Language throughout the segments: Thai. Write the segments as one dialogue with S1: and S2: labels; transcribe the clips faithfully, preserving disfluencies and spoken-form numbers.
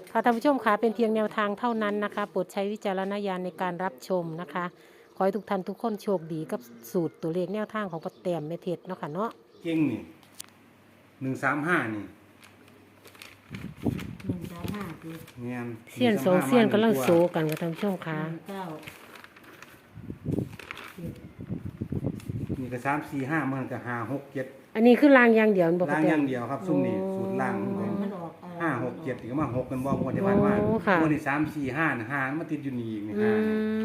S1: ค่ะท่านผู้ชมคะเป็นเพียงแนวทางเท่านั้นนะคะโปรดใช้วิจารณญาณในการรับชมนะคะขอให้ทุกท่านทุกคนโชคดีกับสูตรตัวเลขแนวทางของป้าแต้มแม่เพชรเนาะค่ะเนาะ
S2: เก่งนี่หนึ่งสามห้านี่
S3: หนึ่งสามห้าคือ
S2: เนียน
S1: เสี้ยนสองเสี้ยนกำลังโซกันกับท่านผู้ชมคะ
S3: หนึ่งเก้าเจ็ด
S2: นี่ก็สามสี่ห้ามันก็ห้าหกเจ็ด
S1: อันนี้คือรางอย่างเดียวบ่
S2: ล่าง
S1: ป้าแต้
S2: อย่าม งเดียวครับซุ่มนี่สูตรล่างของผม
S3: มันออกเอ่อ
S2: ห้าหกเจ็ดถึงมาหกกันบ่งวดที่ผ่านมา
S1: โอ้ค่ะ
S2: งวดที่สามสี่ห้าห้ามันติดอยู่นี่อีกนี่
S1: อื
S2: ห้า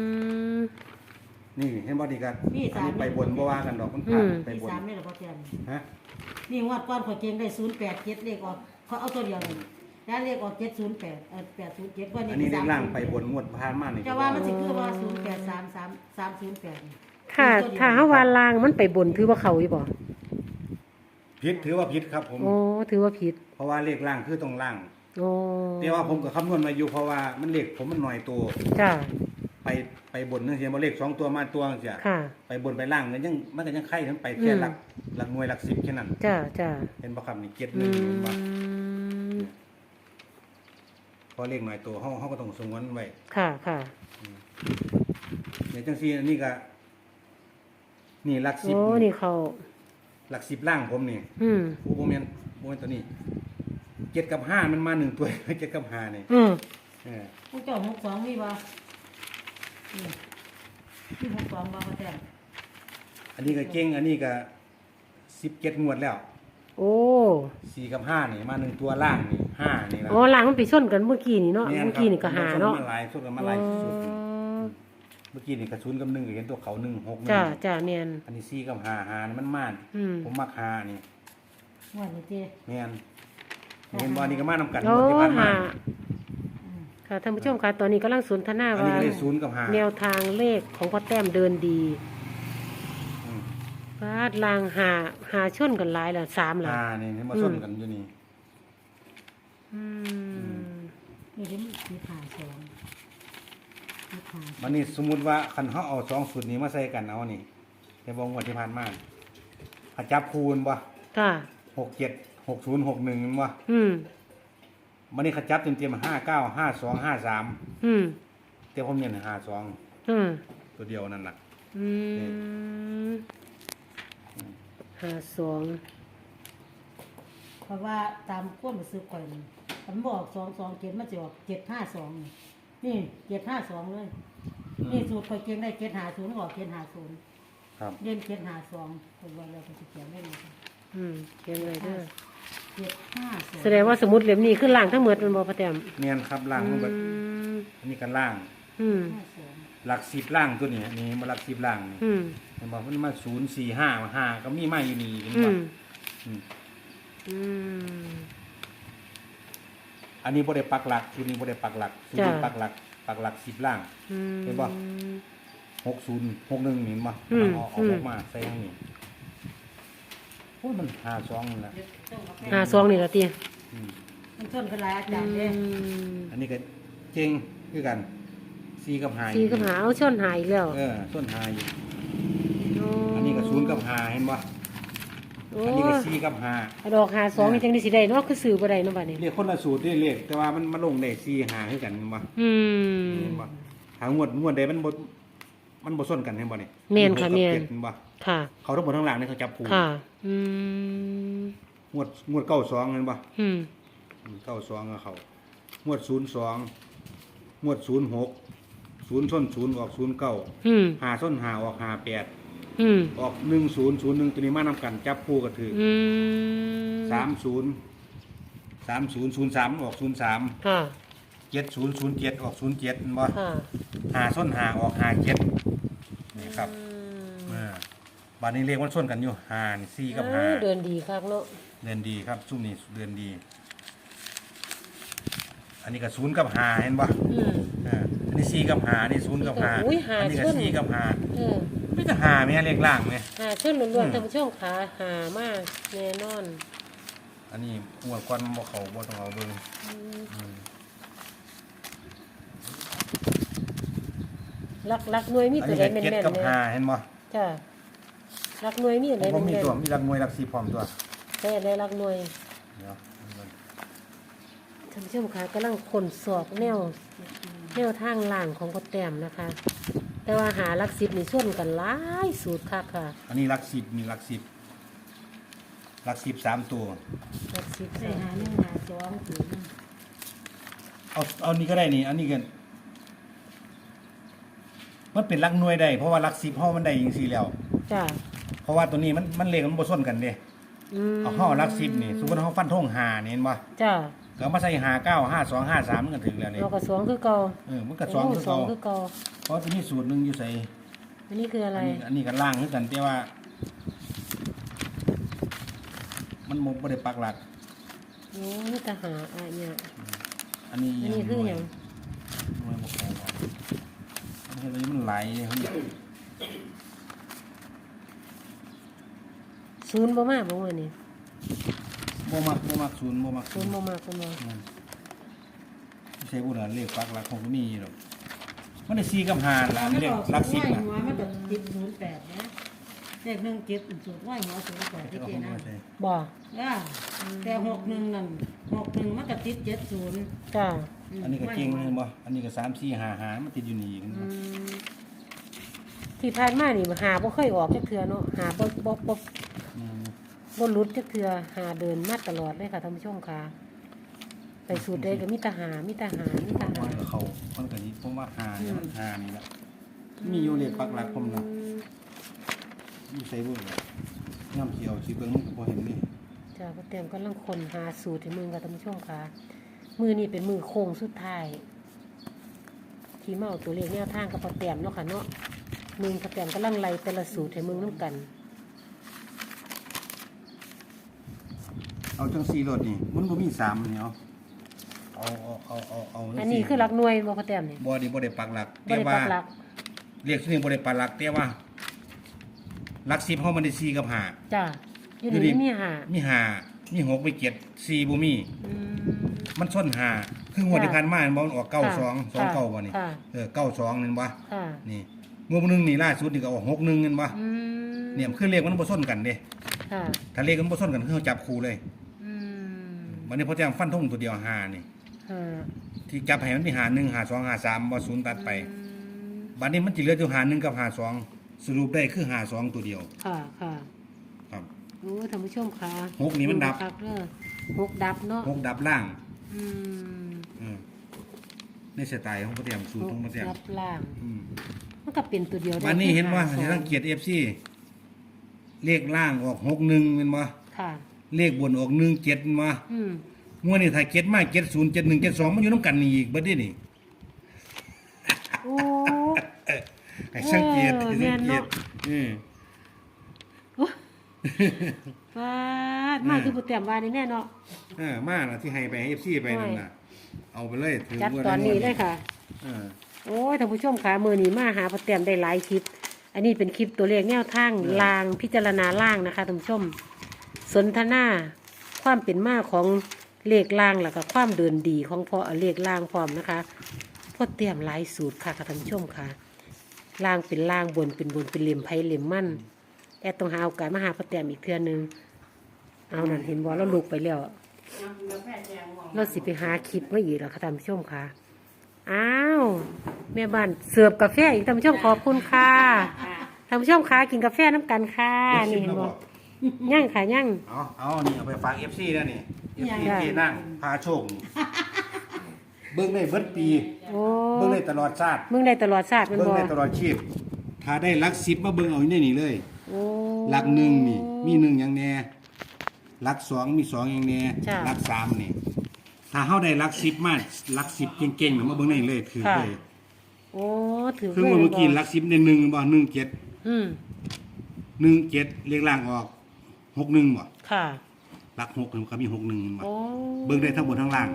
S2: นี่
S1: ม
S2: นี่เห็นบ่ดีกัน
S3: มี
S2: อัน
S3: สาม
S2: นี้ไปบนบ่ว่ากันดอกมัน
S1: อื
S2: ผ่าน
S1: ม
S2: ไป
S3: มี
S2: บน
S3: สามนี่แหละพ่อเตียน
S2: ฮะ
S3: นี่งวดก้อนข่อยเก่งได้ศูนย์แปดเจ็ดเลขออกเขาเอาตัวเดียวเลยแล้วเลขออกเจ็ดศูนย์แปดเออแปดศูนย์เจ็ดว่า
S2: อันนี้
S3: นี่
S2: เรีย
S3: สากม
S2: ล่างไปบนงวดผ่านมานี่
S3: จะว่ามันสิคือว่าศูนย์แปดสามสามสามศูนย์แปด
S1: ถ้าถ้าเฮาว่าลางมันไปบนถือว่าเขาอีบ่
S2: ผิดถือว่าผิดครับผม
S1: โอ้ถือว่าผิด
S2: เพราะว่าเลขล่างคือตรงล่าง
S1: โอ้
S2: แต่ว่าผมก็คำนวณมาอยู่เพราะว่ามันเลขผมมันหน่อยตัว
S1: จ้า
S2: ไปไปบนนึงเสียบ่เลขสองตัวมาตัวเสีย
S1: ค่ะ
S2: ไปบนไปล่างมันยังมันก็ยังไข่ทั้งไปแค่
S1: อืม
S2: หลักหลักหน่วยหลักสิบแค่นั้น
S1: จ้าจ้า
S2: เห็นบ่ครับนี่เจ็ดห
S1: อื
S2: นึ่งเห็นบ่
S1: ม
S2: พอเลขหน่อยตัวเฮาเฮาก็ต้องสงวนไว้
S1: ค่ะค่ะ
S2: ในจังซี่อันนี้ก็นี่หลักสิบ
S1: โอ้นี่เขา
S2: หลักสิบล่างผมนี่
S1: อืม
S2: โอ้บ่แม่นบ่แม่นตัวนี้เจ็ดกับห้ามันมาหนึ่งตัว เจ็ดกับห้านี่
S1: อืม
S2: เออ
S3: ผู้เจ้าหกสองมีบ่นี่ที่หกสองบ่พ่อเตียน
S2: อันนี้ก็เก่งอันนี้ก็สิบเจ็ดงวดแล้ว
S1: โอ้
S2: สี่กับห้านี่มาหนึ่งตัวล่างนี่ห้านี่ล่ะ
S1: อ๋อลางมันไปชนกันเมื่อกี้นี่เนาะ
S2: แม่
S1: เมื่อกี้นี่ก็หาเนาะ
S2: มาหลายสุดกันมาหลายสุดเมื่อกี้นี่กระสุนกับหนึ่งก็เห็นตัวเขาหนึ่งหกหนึ่
S1: จ้าง จ้าเนียน
S2: อันนี้สี่กับห้าห้านี่มันม่าน
S1: อืม
S2: ผมมักห้านี่
S3: งวดนี้เจ้
S2: แม่นเห็นบ่นี่ก็มานำกัน
S1: โอ้
S2: งวดที่ผ่านมา
S1: หาค่ะท่านผู้ชมค่ะตอนนี้กำลังสนทนา
S2: อันนี้
S1: ว่า
S2: ก็ได้ศูนย์กับห้า
S1: แนวทางเลขของพ่อแต้มเดินดี
S2: อืม
S1: ฟาดลางหาหาชนกันหลายละสามละ
S2: ห้านี่เห็นมาส้นกันอยู่นี่
S1: อืม
S3: นี่ที่มันมีขาสองมีขาสอง
S2: มันนี่สมมุติว่าคันเฮาเอาสองสูตรนี้มาใส่กันเอานี่แต่บ่งวดที่ผ่านมาถ้าจับคูณบ่
S1: ค่ะ
S2: หกเจ็ดหกศูนย์หกหนึ่งบ่
S1: อืม
S2: มันนี่เขาจับเต็มๆห้าเก้าห้าสองห้าสาม
S1: อืม
S2: แต่ผมเน้นห้าสอง
S1: อืม
S2: ตัวเดียวนั่นน่ะ
S1: อืมหาสอง
S3: เพราะว่าตามความรู้สึกก่อนผมบอกสองสองเจ็ดมันจะออกเจ็ดห้าสองนี่เจ็ดห้าสองเลย นี่สูตรคอยเก่งได้เจ็ดหาศูนย์ออกเจ็ดหาศูนย์
S2: ครับ
S3: เล่นเจ็ดหาสองคนวันเราก็จะเขียนได้เลย
S1: อืมเขียนไว้เด้อ
S3: เจ็ดห้าสอง
S1: แสดงว่าสมุดเล่มนี้คือล่างทั้งหมดมันบ่พ่อแต้ม
S2: เนียนครับล่างมัน
S1: อื
S2: เบิด
S1: ม
S2: อันนี้กันล่าง
S1: อืม
S3: ห้าสอง
S2: หลักสิบล่างตัวนี้นี่มาหลักสิบล่างนี่
S1: อืม
S2: เห็นบอกมันมาศูนย์สี่ห้ามาห้าก็มีมาอยู่นี่เห็น
S1: อื
S2: บ่
S1: ม
S2: อืม
S1: อืม
S2: อันนี้บ่ได้ปักหลักชุดนี้บ่ได้ปักหลักชุดนี้
S1: จ้ะ
S2: ปักหลักปักหลักสิบล่าง
S1: อืม
S2: เห็นบ่ หกศูนย์หกหนึ่งเห็นบ่
S1: อืม
S2: เอาเอา
S1: อืม
S2: ออกมาใส่ทางนี้โอ้ยมันห้าสองนั่นแหละ
S1: หาสองนี่ละตี
S2: อืม
S3: มันต้นเป็นหลายอาจารย์เลย
S2: อันนี้ก็เจ๋งคือกันสี่กับห้า
S1: สี่กับหาเอาชนหายอีกแล้ว
S2: เออส้นห้าอยู่
S1: โ
S2: อันนี้ก็ศูนย์กับห้าเห็นบ่
S1: โอ้
S2: อันนี้ก็สี่กับห้า
S1: ดอกหาสองนี่จังได้สิได้เนาะคือซื้อบ่ได้เนาะบัดนี้
S2: เรียกคนละสูตรเรียกเรียกแต่ว่ามันมาลงได้สี่ห้าคือกันเห็นบ่
S1: อืม
S2: เห็นบ่หางวดงวดใดมันบ่มันบ่ส้นกันเห็นบ่นี่
S1: แม่นค่ะ
S2: หกกับ
S1: แม่น
S2: เจ็ดเห็นบ่
S1: ค่ะ
S2: เขาทั้งหมดทั้งหลังนี่เขาจับคู่
S1: ค่ะ อืม
S2: งวดงวดเก้าสองเห็นบ่
S1: อืม
S2: เก้าสองก็เขางวดศูนย์สองงวดศูนย์หกศูนย์ส้นศูนย์ออกศูนย์เก้า
S1: อืม
S2: หาส้นหาออกหาแปด
S1: อืม
S2: ออกหนึ่งศูนย์ศูนย์หนึ่งตัวนี้มานำกันจับคู่ก็ถือ
S1: อืม
S2: สามศูนย์สามศูนย์ศูนย์สามออกศูนย์สาม
S1: ค่ะ
S2: เจ็ดศูนย์ศูนย์เจ็ดออกศูนย์เจ็ดบ่
S1: ค่ะ
S2: หาส้นหาออกหาเจ็ดนี่ครับ
S1: อืม
S2: เออบ้านนี้เรียกว่าส้นกันอยู่หานี่สี่กับหา
S1: เออเดินดีคักเนาะ
S2: เดือนดีครับซุ่มนี้เดือนดี อันนี้ก็ศูนย์กับหาเห็นบ่
S1: อืม
S2: เอออันนี้สี่กับหานี่ศูนย์กับหา
S1: อุ้ยหา
S2: อันี้ก็
S1: ชน
S2: สี่กับหา
S1: เออ
S2: ไม่จะหาไหมเรียกล่างไหม
S1: หาชนล้วนๆท่านผู้ชมขาหามากแน่นอน
S2: อันนี้หัวควันบ่เขาบ่ต้องเอาเบิ่ง
S1: อืม
S2: อืม
S1: รักรักหน่วยมี
S2: อัน
S1: ตัว
S2: นี้
S1: ใด
S2: ก็
S1: แม่น
S2: เจ็ด
S1: ๆ
S2: กับ
S1: เนี่ย
S2: หาเห็นบ่
S1: จ้ะรักหน่วยมีอันใด
S2: ผม
S1: แม่
S2: มี
S1: น
S2: ตัวมีรักมวยรักสีพร้อมตัว
S1: ๆแต่ได้รักหน่วย
S2: เดี๋ยว
S1: ท่านผู้ชมคะกำลังคนสอบแนวแนวทางล่างของพ่อแต้มนะคะ แต่ว่าหาหลักสิบนี่ส่วนกันหลายสูตรค่ะค่ะ
S2: อันนี้หลักสิบมีหลักสิบหลักสิบสามตัว
S1: หลักสิบ
S3: ใส่
S1: สาม
S3: หาหนึ่งหาสองศูนย์
S2: เอาเอานี่ก็ได้นี่ อันนี้กันมันเป็นหลักหน่วยได้เพราะว่าหลักสิบห้อมันได้ยิงสี่แล้ว
S1: จ้า
S2: เพราะว่าตัวนี้มันมันเลขมันบ่ซ้นกันเด้
S1: อืม
S2: เอาห้อหลักสิบนี่สมมติเขาฟันธงหานี่เห็นบ่
S1: จ้า
S2: ก็เอามาใส่หาเก้าห้าสองห้าสามมันก็ถึงแล้วนี่
S1: เราก็สองคือเก่า
S2: เออมันก็สองคือ
S1: สอ
S2: เก่าง
S1: คือเก่า
S2: เพราะจะมีสูตรหนึงอยู่ใส่
S1: อันนี้คืออะไร
S2: อันนี้อันนี้ก็ล่างคือกันแต่ว่า มันบ่บ่ได้ปักหลัก
S1: โอ้นี่ทหารอ่ะเนี่ย
S2: อันนี้
S1: อันนี้คืออย่าง
S2: หน่วยบ่พอบ่อันนี้มันไหลเลยครับ
S1: ศูนย์บ่มากบ่ว่านี่
S2: บ่มักบ่มักศูนย์บ่มัก
S1: ศูนย์บ่มากบ่มา
S2: อืมใช่บ่ล่ะเลขปักหลักของมีหรอกมันได้สี่กับห้าล่ะ
S3: มัน
S2: เลข
S3: ออก
S2: หลักสิบ
S3: สูตร
S2: น่ะ
S3: หัวมันก็ติดศูนย์แปดนะเลขหนึ่งเจ็ดสูตรว่าหัวศูนย์แปดที่เจนะ
S1: บ่
S3: อ่าแต่หกหนึ่งนั่นหกหนึ่งมันก็ติดเจ็ดศูนย์
S1: จ้า
S2: อันนี้ก็เก่งเห็นบ่อันนี้ก็สาม สี่ ห้า ห้ามันติดอยู่นี่อีก
S1: อืมที่ผ่านมานี่หาบ่เคยออกจักเทื่อเนาะหาบ่บ่บ่
S2: อืม
S1: บ่หลุดจักเทื่อหาเดินมาตลอดเลยค่ะท่านผู้ชมค่ะไปสูตรใดก็มีแต่หามีแต่หามีแต่หา
S2: มันก็เขามันก็สิผมว่าห้าเนี่ยมันห้านี่แหละมีอยู่เลขปักหลักผมนะมีใส่บ่ล่ะย่ำสิเอาสิเบิ่งมันก็บ่เห็นนี่
S1: จ้าพ่อเตรียมกำลังคนหาสูตรให้มึงค่ะท่านผู้ชมค่ะ มือนี่เป็นมือโค้งสุดท้าย ที่มาเอาตัวเลขแนวทางกับพ่อเตรียมเนาะค่ะเนาะมึงพ่อเตรียมกำลังไล่แต่ละสูตรให้มึงน้ำกัน
S2: เอาจังสี่รถนี่มันบ่มีสามนี่เอาเอาเอาเอาเอาเอา
S1: อันนี้คือหลักหน่วยบ่พ่อเตรียมนี่
S2: บ่ได้บ่ได้ปักหลัก
S1: บ่ได้ปักหลัก
S2: เรียกชื่อนี้บ่ได้ปักหลักแต่ว่าหลักสิบเฮามันได้สี่กับห้า
S1: จ้าอยู่
S2: อยู่นี่
S1: นี่มีหา
S2: มีห้ามีหกมีเจ็ดสี่บ่มี
S1: อืม
S2: มันส้นห้าคืองวดที่ผ่านมามันบ่มันออกเก้าสองสอง
S1: ค่ะ
S2: เก้าบ่นี่
S1: ค่ะ
S2: เออเก้าสองนั่นบ่
S1: ค่ะ
S2: นี่งวดนึงนี่ล่าสุดนี่ก็ออกหกหนึ่งนั่นบ่
S1: อืม
S2: เนี่ยมันคือเลขมันบ่ส้นกันเด้
S1: ค่ะ
S2: ถ้าเลขมันบ่ส้นกันคือเขาจับคู่เลย
S1: อืม
S2: วันนี้พอแจ้งฟันธงตัวเดียวห้านี่
S1: ค่ะ
S2: ที่จับให้มันมีหาหนึ่งหาสองหาสามบ่ศูนย์ตัดไป
S1: อืม
S2: บัดนี้มันสิเหลืออยู่หาหนึ่งกับหาสองสรุปได้คือหาสองตัวเดียว
S1: ค่ะค่ะ
S2: ครับ
S1: โอ้ท่านผู้ชมค่ะ
S2: หกนี่มันดับ
S1: ครับเด้อหกดับเนาะ
S2: หกดับล่าง
S1: อืม
S2: เออในสไตล์ของพระเตรียมสูตรของพระเตรียม
S1: ดับล่าง
S2: อืม
S1: มันก็เป็นตัวเดียวได้
S2: วันนี้เห็นว่า
S1: สอง
S2: สังเกต เอฟ ซี เลขล่างออกหกหนึ่งแม่นบ่
S1: ค่ะ
S2: เลขบนออกหนึ่งเจ็ดแม่นบ่
S1: อืม
S2: งวดนี้ถ้าเจ็ดมาเจ็ดศูนย์เจ็ดหนึ่งเจ็ดสองมันอยู่นํกันนี่อีกเบิดนี่นี่
S1: โอ้
S2: ให้สังเกต
S1: เออ
S2: ให้สัง
S1: แม่น
S2: เก
S1: เนาะ
S2: ตอืม
S1: ฟาดมาคือผู้เตรียมว่านี่แน่เนาะ
S2: เออมาน่ะที่ให้ไปให้ เอฟ ซี ไปนั่นน่ะเอาไปเลยถือ
S1: จัด
S2: งว
S1: ตอนนี้เลยค่ะ
S2: เออ
S1: โอ้ยท่านผู้ชมค่ะมือนี้มาหาผู้เตรียมได้หลายคลิป อันนี้เป็นคลิปตัวเลขแนวทางลางพิจารณาล่างนะคะท่านผู้ชม สนทนาความเป็นมาของเลขล่างแล้วก็ความเดินดีของพอเลขล่างพร้อมนะคะพอเตรียมหลายสูตรค่ะค่ะท่านผู้ชมค่ะล่างเป็นล่างบนเป็นบนเป็นเหลี่ยมไพ่เหลี่ยมมั่นแอดต้องหาโอกาสมาหาพอเตรียมอีกเทื่อนึงเอานั่นเห็นว่าเราลุกไปแล้วเราสิไปหาคลิปมาอีกแล้วค่ะท่านผู้ชมค่ะอ้าวแม่บ้านเสิร์ฟกาแฟอีกท่านผู้ชมขอบคุณค่ะท่านผู้ชมค่ะกินกาแฟน้ำกันค่ะนี่เห็นบ่ย่างค่ะย่าง
S2: เอาเอานี่เอาไปฝาก เอฟ ซี แล้วนี่ เอฟ ซี
S1: ได้
S2: ที่นั่งพาโชคนี่เบิ่งได้เบิดปี
S1: โอ้
S2: เบิ่งได้ตลอดชาติ
S1: มึงได้ตลอดชาติแมัน
S2: เบิ่ง
S1: บ่
S2: ได้ตลอดชีพ ถ้าได้หลักสิบมาเบิ่งเอาอยู่ในนี่เลย
S1: โอ้
S2: หลักหนึ่งนี่ มีหนึ่งอย่างแน่หลักสองมีสองอย่างแน่
S1: จ้ะ
S2: หลักสามนี่ ถ้าเฮาได้หลักสิบมาหลักสิบเก่งๆน่ะมาเบิ่งในนี่เลยถือ
S1: ค่ะ
S2: เลย
S1: โอ้ถือ
S2: คือเมื่อกี้หลักสิบได้หนึ่งบ่หนึ่งเจ็ด
S1: อืม
S2: หนึ่งเจ็ดเรียงล่างออกหกหนึ่งบ่
S1: ค่ะ
S2: หลักหกมันก็มีหกหนึ่งบ่
S1: โอ้
S2: เบิ่งได้ทั้งบนทั้งล่าง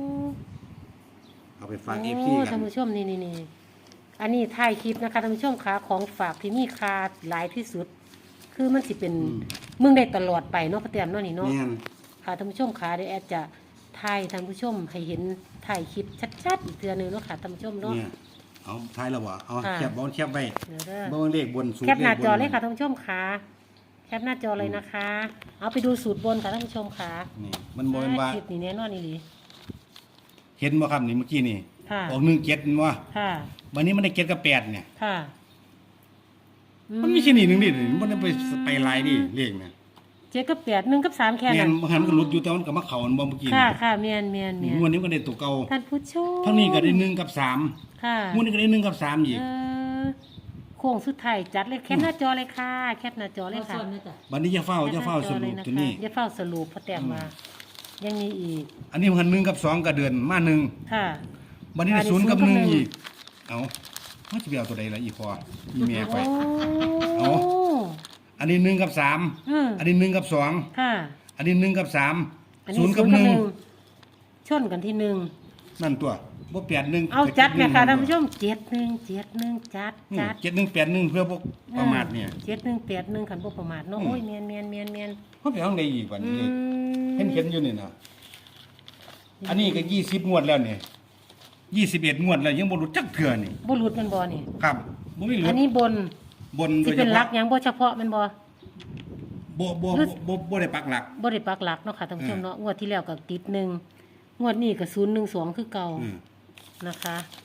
S2: เอาไปฝาก เอฟ ซี
S1: โอ้
S2: กั
S1: ท่าน นผู้ชมนี่นี่นี่อันนี้ถ่ายคลิปนะคะท่านผู้ชมคะของฝากที่มีค่าหลายที่สุด คือมันสิเป็น
S2: อืม
S1: มึงได้ตลอดไปเนาะพระเตรียมเนาะนี่เนาะ
S2: แม่น
S1: ค่ะท่านผู้ชมคะเดี๋ยวแอดจะถ่ายท่านผู้ชมให้เห็นถ่ายคลิปชัดๆอีกเทื่อนึงเนาะค่ะท่านผู้ชมเนาะ
S2: เนี่ยเอาท้ายแล้วบ่เอา
S1: ค่ะ
S2: แคบบ่แคบไว้
S1: เดี๋ยวเด้อ
S2: เบิ่งเลขบนสูตร
S1: แคปหน้าจอ
S2: ขบน
S1: เลยค่ะท่านผู้ชมค่ะแคปหน้าจอเลยนะคะ เอาไปดูสูตรบนค่ะท่านผู้ชมค่ะ
S2: นี่มันบ่แม่นว่า
S1: คลิปนี้แน่นอนนี่ดี
S2: เห็นบ่ครับนี่เมื่อกี้นี่
S1: ค่ะ
S2: ออกหนึ่งเจ็ดบ่
S1: ค่ะ
S2: วันนี้มันได้เจ็ดกับแปดเนี่ย
S1: ค่ะ
S2: มันไม่ใช่นี่หนึ่งดิมันไปไปลายดิเลขเนี่ย
S1: เจ็ดกับแปดหนึ่งกับสามแค่
S2: แม่
S1: นั้น น
S2: บางครั้งมันก็หลุดอยู่แต่มันก็มาเข้าอันบ่เมื่อกี้
S1: ค่ะ
S2: นี่
S1: ค่ะเมียนเมียนเมียน
S2: งวดนี้มันก็ได้ตัวเก่า
S1: ท่านผู้ชม
S2: ทั้งนี้ก็ได้หนึ่งกับสาม
S1: ค่ะ
S2: งวดนี้ก็ได้หนึ่งกับสามอีก
S1: เออโค้งสุดท้ายจัดเลยแคปหน้าจอเลยค่ะ แคปหน้าจอเลย
S3: เอา
S1: ค่ะ
S3: ส่วนนี้จ้ะ
S2: วันนี้จะเฝ้าจะเฝ้าสรุปตัวนี้
S1: อย่าเฝ้าสรุปเพราะแต้มมา ยังมีอีก
S2: อันนี้มันหนึ่งกับสองก็เดือนมาหนึ่ง
S1: ค่ะ
S2: วันนี้ได้
S1: อันนี้
S2: ศูนย์กับ
S1: ศู
S2: ห
S1: นย์
S2: นึ่ง
S1: กับหนึ่ง
S2: อีกเอามันจะไปเอาตัวใดล่ะอีพออีเมียไป
S1: โอ้
S2: เอา อันนี้หนึ่งกับสาม
S1: อืม
S2: อันนี้หนึ่งกับสอง
S1: ค่ะ
S2: อันนี้หนึ่งกับสาม
S1: อัน
S2: ศู
S1: นี้
S2: นย์
S1: ศู
S2: กับ
S1: นย์
S2: ห
S1: กับ
S2: นึ่ง
S1: หนึ่งชนกันที่หนึ่ง
S2: นั่นตัวบ่แปดหนึ่ง
S1: เอาจัดไหมคะท่านผู้ชมเจ็ดหนึ่งเจ็ดหนึ่งจัดจัด
S2: เจ็ดหนึ่งแปดหนึ่งเพื่อพวกประมาทเนี่ย
S1: เจ็ดหนึ่งแปดหนึ่งขันพวกประมาทเนาะ
S2: อืม
S1: โอ้ยเมียนเมียนเมียนเมียน
S2: เขาไปห้องใดอีกวัน
S1: อื
S2: นี้
S1: ม
S2: เห็นเขียนอยู่นี่นะอันนี้ก็ยี่สิบงวดแล้วเนี่ยยี่สิบเอ็ดงวดแล้วยังบ่รู้จักเถื่อนี่
S1: บุรุษมันบ่นี่
S2: ครับบ่มีเหลื
S1: อั
S2: อน
S1: นี้บน
S2: บนโด
S1: ที่
S2: ยเฉ
S1: เป็นหลั
S2: พาะ
S1: กหยังบ่เฉพาะแมันบ่
S2: บ่บ่บ่บ่บ่ได้ปักหลัก
S1: บ่ได้ปักหลักเนาะค่ะท่านผู้ชม
S2: เออ
S1: เนาะงวดที่แล้วก็ติดหนึ่งงวดนี้ก็ศูนย์หนึ่งสองคือเก่า
S2: อืม
S1: นะคะ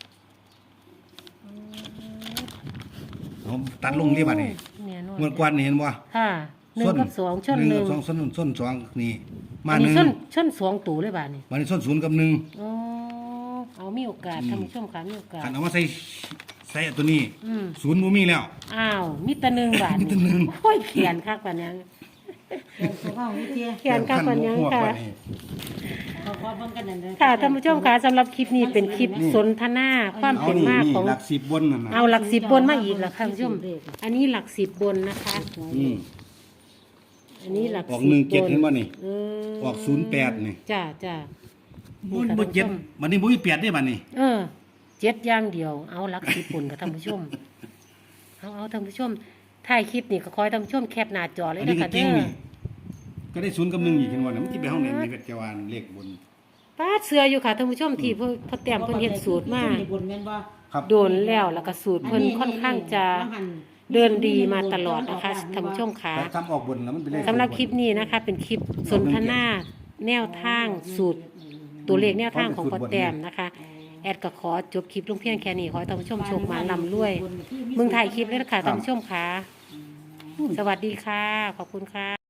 S2: ผมตัดลงที่บัดนี้
S1: แน่นอน
S2: งวดกวนนี่เห็นบ่
S1: ค่ะหนึ่งกับสองชนหนึ่ง
S2: กับสองส้นส้นสองนี่มา
S1: อัน
S2: ห
S1: นี้
S2: นึ่ง
S1: ชนชนสองตัวเลยบาดนี้
S2: วันนี้ส้นศูนย์กับหนึ่ง
S1: อ๋อเอามีโอกาส
S2: อืม
S1: ท่านผู้ชมค่ะมีโอกาส
S2: คันเอามาใส่ใส่ตัวนี้
S1: อืม
S2: ศูนย์บ่มีแล้ว
S1: อ้าวมีแต่หนึ่งบาท
S2: มีแต่หนึ่ง
S1: โอ้ยเขียนคักปานนี้
S3: เดี๋ยวตัวเอานี่เตี้ย
S1: เขียนคักปานนี้
S2: หัว
S1: ค่ะ
S2: กว่านี้
S3: เขาพอเบิ่งกันนั่นเด้อ
S1: ค่ะท่านผู้ชมค่ะสำหรับคลิปนี้เป็นคลิปสนทนาความ
S2: เอา
S1: เป็น
S2: นี่
S1: มา
S2: นี่
S1: ของ
S2: หลักสิบบนนั่นน่ะ
S1: เอาหลักสิบบนมาอีกแล้วค่ะท่านผู้ชม อันนี้หลักสิบบนนะคะ
S2: อืม
S1: อันนี้หลัก
S2: ออก
S1: สิบ
S2: หนึ่งเจ็ด
S1: บ
S2: เห็นบ่นี่
S1: เออ
S2: ออกศูนย์แปดนี่
S1: จ้าจ้า
S2: บ่บ่เจ็ดวันนี้บ่มีแปดได้บัดนี้
S1: เออเจ็ดอย่างเดียว เอาหลักสิบบนกับท่านผู้ชม เอาเอาท่านผู้ชมถ่ายคลิปนี่ก็คอยท่านผู้ชมแคปหน้าจอเลย
S2: อัน
S1: นะ
S2: นี้ก็
S1: คะ
S2: เก่
S1: เด้
S2: ง
S1: อ
S2: นี่ก็ได้ศูนย์กับหนึ่งอีกเห็นบ่น่ะมันสิไปห้องไหนในจักรวาลเลขบน
S1: ป้าเสืออยู่ค่ะท่านผู้ชมที่เพิ่นพอแต้มเพิ่นเฮ็ดสูตรมา
S3: บนแม่นบ่
S2: ครับ
S1: โดนแล้วแล้วก็สูตรเพิ่นค่อนข้างจะเดินดีมาตลอดนะคะท่านผู้ชมค่ะ
S2: แต่ทำออกบนแล้วมันเป็นเลข
S1: สำหรับคลิปนี้นะคะ เป็นคลิปสนทนาแนวทางสูตร ตัวเลขแนวทางของพอแต้มนะคะ แอดก็ขอจบคลิปลงเพียงแค่นี้ขอให้ท่านผู้ชมโชคมาลำรวยเมืองถ่ายคลิปเลยนะคะท่านผู้ชมค่ะ สวัสดีค่ะ ขอบคุณค่ะ